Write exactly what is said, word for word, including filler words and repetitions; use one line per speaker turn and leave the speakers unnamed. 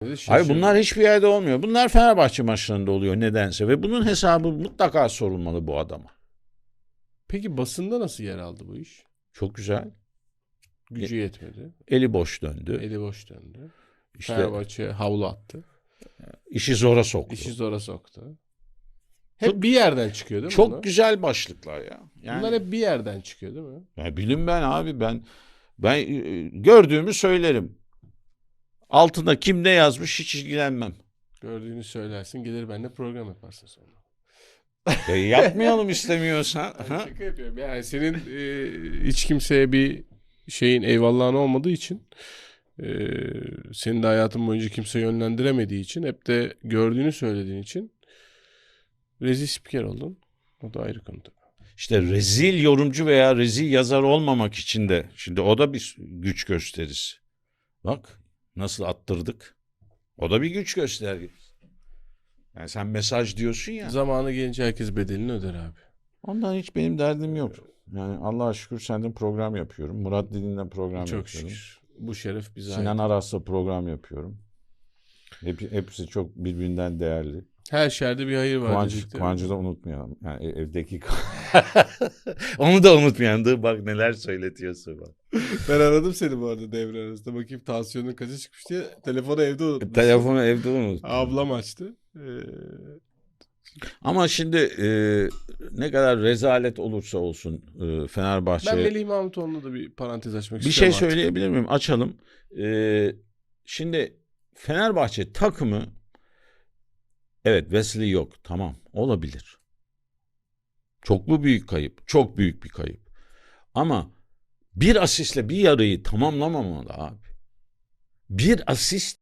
Hayır, bunlar hiçbir yerde olmuyor. Bunlar Fenerbahçe maçlarında oluyor nedense ve bunun hesabı mutlaka sorulmalı bu adama.
Peki basında nasıl yer aldı bu iş?
Çok güzel.
Gücü yetmedi.
Eli boş döndü.
Eli boş döndü.
İşte
Fenerbahçe havlu attı.
işi zora soktu.
İşi zora soktu. Hep çok, bir yerden çıkıyor değil mi?
Çok
bunlar?
Güzel başlıklar ya. Yani,
bunlar hep bir yerden çıkıyor değil mi?
Ya bilin ben abi ben ben gördüğümü söylerim. Altında kim ne yazmış hiç ilgilenmem.
Gördüğünü söylersin, gelir benimle program yaparsın sonra.
E yapmayalım istemiyorsan.
Yani şaka yapıyorum. Yani senin e, hiç kimseye bir şeyin eyvallahın olmadığı için, e, senin de hayatın boyunca kimse yönlendiremediği için, hep de gördüğünü söylediğin için rezil spiker oldun. O da ayrı konu tabii.
İşte rezil yorumcu veya rezil yazar olmamak için de şimdi o da bir güç gösterisi. Bak nasıl attırdık. O da bir güç göstergesi. Yani sen mesaj diyorsun ya.
Zamanı gelince herkes bedelini öder abi.
Ondan hiç benim derdim yok. Yani Allah'a şükür senden program yapıyorum. Murat Didin'le program
Çok
yapıyorum.
şükür. Bu şeref bize
Sinan
ait.
Aras'la program yapıyorum. Hep, hepsi çok birbirinden değerli.
Her şerde bir hayır var.
Kıvanç, Kıvanç'ı da unutmayalım. Yani evdeki onu da unutmayalım. Dur bak neler söyletiyorsun bak.
Ben aradım seni bu arada devre arasında. Bakayım tansiyonun kaça çıkmış diye. Telefonu evde unutmuşsun.
Telefonu evde unut.
Ablam açtı. Ee...
Ama şimdi e, ne kadar rezalet olursa olsun e, Fenerbahçe...
Ben Melih Mahmutoğlu'na da bir parantez açmak
bir
istiyorum.
Bir şey söyleyebilir miyim? Açalım. E, şimdi Fenerbahçe takımı, evet Wesley yok. Tamam, olabilir. Çok mu büyük kayıp? Çok büyük bir kayıp. Ama bir asistle bir yarıyı tamamlamamalı abi. Bir asist